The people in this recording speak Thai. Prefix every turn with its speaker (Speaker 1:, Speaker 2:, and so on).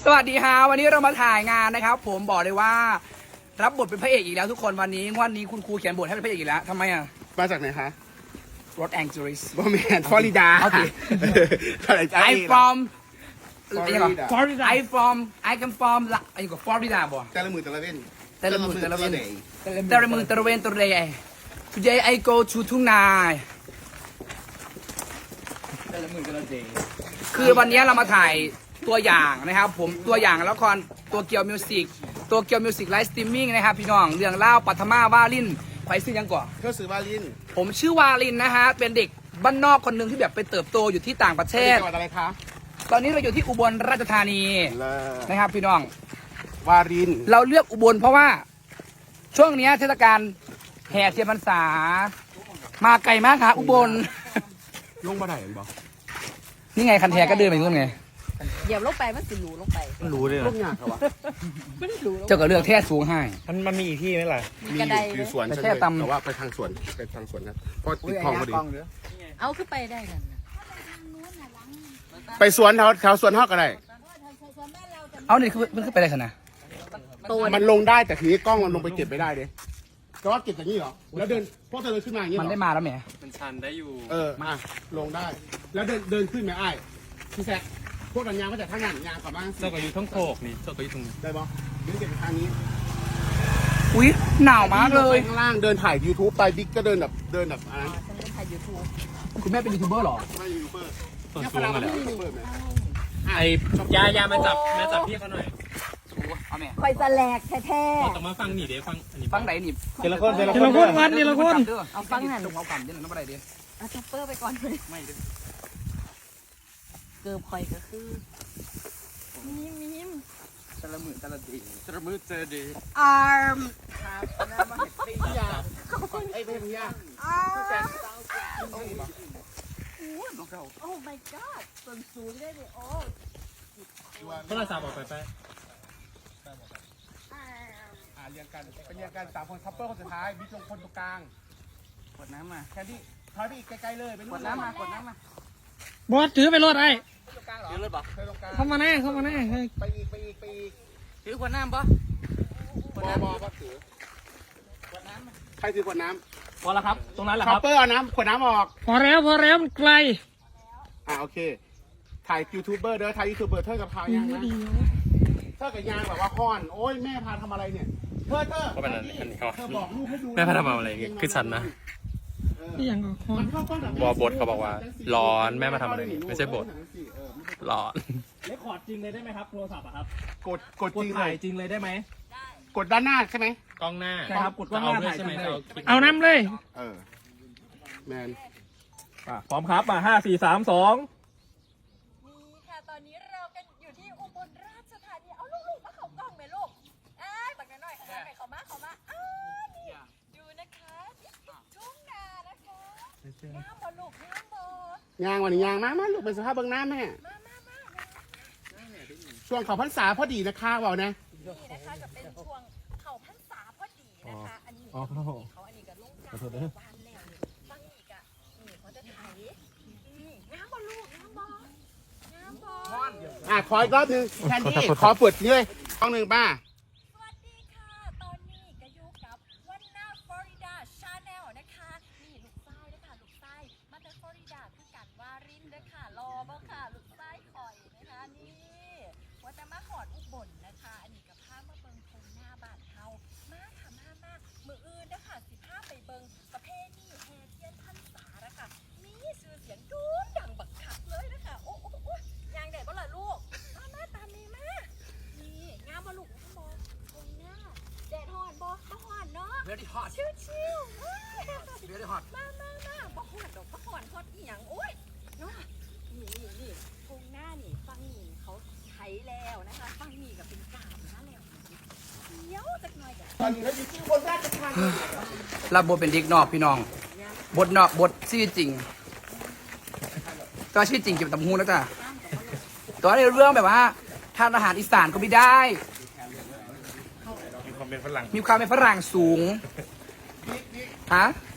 Speaker 1: วัสดีฮะวันนี้เรามาถ่ายงานนะครับผมบอกเลยว่ารับบทเป็นพระเอกอีกแล้วทุกคนวันนี้คุณครูเขียนบทให้เป็นพระเอกอีกแล้วทำไมอ่ะ
Speaker 2: มาจากไหนคะ
Speaker 1: รถแองเจลิส
Speaker 2: บอแมนฟลอริดา
Speaker 1: โอเค I from I come from อะไรกับฟลอริดาบ่
Speaker 2: แต่ละมือแต่ละเว้น
Speaker 1: แต่ละมือแต่ละเวน today I go to ทุ่งนาคือวันนี้เรามาถ่ายตัวอย่างนะครับผมตัวอย่างละครตัวเกียวมิวสิกไลฟ์สตรีมมิ่งนะครับพี่น้องเรื่องเล่าปัทมาวาลินใครซื้อยังก่อน
Speaker 2: เพื่อซื้อวาลิน
Speaker 1: ผมชื่อวาลินนะฮะเป็นเด็กบ้านนอกคนหนึ่งที่แบบไปเติบโตอยู่ที่ต่างประเทศ
Speaker 2: จังหวัดอะไรคะ
Speaker 1: ตอนนี้เราอยู่ที่อุบลราชธานีนะครับพี่น้อง
Speaker 2: วาลิน
Speaker 1: เราเลือกอุบลเพราะว่าช่วงนี้เทศกาลแห่เทียนพรรษามาไกลมากค่ะอุบล
Speaker 2: ลงมาไหนบอก
Speaker 1: นี่ไงคันแทก็เดินไปนู่นไง
Speaker 3: เหยียบลงไปมันสิหลูลงไป
Speaker 2: มันรู้เลยลงยากเหรอวะ
Speaker 3: ไม่ได้หลู
Speaker 1: เจ้าก็เลือกแท่สูงให้
Speaker 4: มันมีอีกที่ไหมล่ะ
Speaker 2: มีอยู่สวนใช่ไหมแต่ว่าไปทางสวนครับเพราะติดคลองพอดี
Speaker 3: เอาขึ้นไปได้กัน
Speaker 2: ไปสวนแถวสวนฮอกอะไร
Speaker 1: เอานี่คือมันขึ้นไปได้ขนาด
Speaker 2: มันลงได้แต่ทีนี้กล้องมันลงไปเก็บไม่ได้เด้แต่ว่าเก็บอย่างนี้เหรอแล้วเดินพวกเธอเดินขึ้นมาอย่างนี้
Speaker 1: มันได้มาแล้วแหม
Speaker 4: มันชันได้อยู่
Speaker 2: มาลงได้แล้วเดินขึ้นไหมไอ้พี่แซคพวกกันยางก็จะท่างานยางกลับบ้าน
Speaker 4: เจ้าก็อยู่ทั้งโคกนี่เจ้าก็อยู่ตรงนี้
Speaker 2: ได้ปะเดินเก็บทางนี้
Speaker 1: อุ๊ยหนาวมากเลย
Speaker 2: ข้างล่างเดินถ่าย YouTube ไปบิ๊กก็เดินแบบอะไร
Speaker 3: ฉันเล่นถ่ายยูทูบ
Speaker 1: คุณแม่เป็นยูทูบเบอร์หรอ
Speaker 2: ไม่ยูทูบเบอร์
Speaker 4: ส่วนสูงกันแล้วไอ้ยามาจับพี่เขาหน่อย
Speaker 3: คอยแสลกแท้
Speaker 4: ๆแต่มาฟังนี่เดี๋ยว
Speaker 1: ฟังไหนนี่
Speaker 4: ทีละคน
Speaker 1: วันทีละคนเอาฟังหันเอากำเดี๋ยวน้ำอะไรดี
Speaker 3: เอาช็อปเปอร์ไปก่อนเลย
Speaker 1: ไม่
Speaker 3: เกือบคอยก็คือมิม
Speaker 1: แต่ละมือเจอดี
Speaker 3: อาร์ม
Speaker 2: ขอบคุณไอ้เป็นพี่ยา
Speaker 3: โอ้ my god ส่วนสูงได้เลยโอ้
Speaker 4: โทรศัพท์ออกไป
Speaker 2: เรียงกันเป็นเรียงกัน3 คนคัพเปอร์คนสุดท้ายบิ๊กลงคนตรงกลาง
Speaker 1: กดน้ำมา
Speaker 2: แค่ที่ถอยไปอีกใกล้ๆเลยไป
Speaker 1: กดน้ำมา
Speaker 4: บอสถือไปรถไอ้
Speaker 1: ถือรถบ่
Speaker 4: เข้ามาแน่
Speaker 2: ไปอีก
Speaker 1: ถือกดน้ำบ่
Speaker 2: บอถือใครถือกดน้
Speaker 1: ำพอแล้วครับตรงนั้นแหละค
Speaker 2: คั
Speaker 1: รับ
Speaker 2: พเปอร์เอาน้ำขวดน้ำออก
Speaker 4: พอแล้วมันไกล
Speaker 2: โอเคถ่ายยูทูบเบอร์เด้อถ่ายยูทูบเบอร์เท่ากับพายังนะเท่ากับยางแบบว่าค้อนโอ้ยแม่พาทำอะไรเนี่ยเธอบอกลูกให้ดู
Speaker 4: แม่พาทำอะไรคือฉันนะอย่างบอบทเขาบอกว่าร้อนแม่มาทำอะไรไม่ใช่บทร้อน
Speaker 1: เลคคอร์ดจริงเลยได้ไหมครับโทรศัพท์ครับ
Speaker 2: กดจริง
Speaker 1: จริงเลยได้ไหม
Speaker 2: กดด้านหน้าใช่ไหม
Speaker 4: กล้องหน้า
Speaker 1: ใช่ครับกดกล้องหน้าถ่ายใช่ไหม
Speaker 4: เอาน้ำเลย
Speaker 2: แมน
Speaker 1: พร้อมครับมา5 4 3 2
Speaker 3: นี่ค่ะตอนนี้เรากันอยู่ที่อุบลราชธานีเอาลูกๆมาเข้ากล้องไหมลูกตักหน่อยเข้ามานี่ดูนะคะทุ่งนานะคะงามบ่ลูกงามบ่
Speaker 2: ยางวันนี้ยางมาลูกเป็นสภาพเบื้องหน้าแม่ช่วงเขาพรรษาพอดีนะคะบอกนะ
Speaker 3: นี่นะคะจะเป็นช่วงเขาพรรษาพอดีนะคะอันนี้เขาอันนี้ก็ลงจากบ้านแล้วบางอีกนี่เขาจะถ่ายงามบ่ลูกงามบ่
Speaker 2: ขออีกรอบนึงแคนดี้ขอเปิดเลยช่องหนึ่งป้า
Speaker 3: สวัสดีค่ะตอนนี้ก็อยู่กับวันนาฟลอริดาชาแนลนะคะนี่ลูกไส้นะคะลูกไส้มาจากฟลอริดาคือกันวารินนะคะรอบ้างค่ะลูกไส้คอยนะคะนี่ว่าจะมาขอดอุบลนะคะอันนี้กับผ้ามาเบิงทงหน้าบ้านเฮามาค่ะมามืออื่นนะคะ15ไปเบิงประเพณีแห่เทียนพรรษานะคะมีชื่อเสียงดูดังบักคักเลยนะคะโอ้ยางเด็ดบ่ล่ะลูกมาตามนี้มานี่งามบ่ลูกงามบ่ทงหน้าแดดฮ้อนบ่ฮ้อนเนาะ
Speaker 1: very hot
Speaker 3: ชิว
Speaker 1: very hot
Speaker 3: มาบ่ฮ้อนดอกบ่ฮ้อนฮอตอีหยังโอ้ยเนาะนี่ทงหน้านี่ฟังนี่เขาใช้แล้วนะคะฟังนี่ก็เป็นกาบนะแล้วเดี๋ยวจักหน่อยจ้ะ
Speaker 2: ตอนนี้เราอยู่ที่คนแรกจะทาน
Speaker 1: รับบทเป็นเด็กนอกพี่น้องบทนอกบทชื่อจริงตัวชื่อจริงเก็บตำหูแล้วจ้ะตัวในเรื่องแบบว่าทานอาหารอีสานก็ไม่ได้
Speaker 4: มีความเป็นฝรั่ง
Speaker 1: สูงฮะ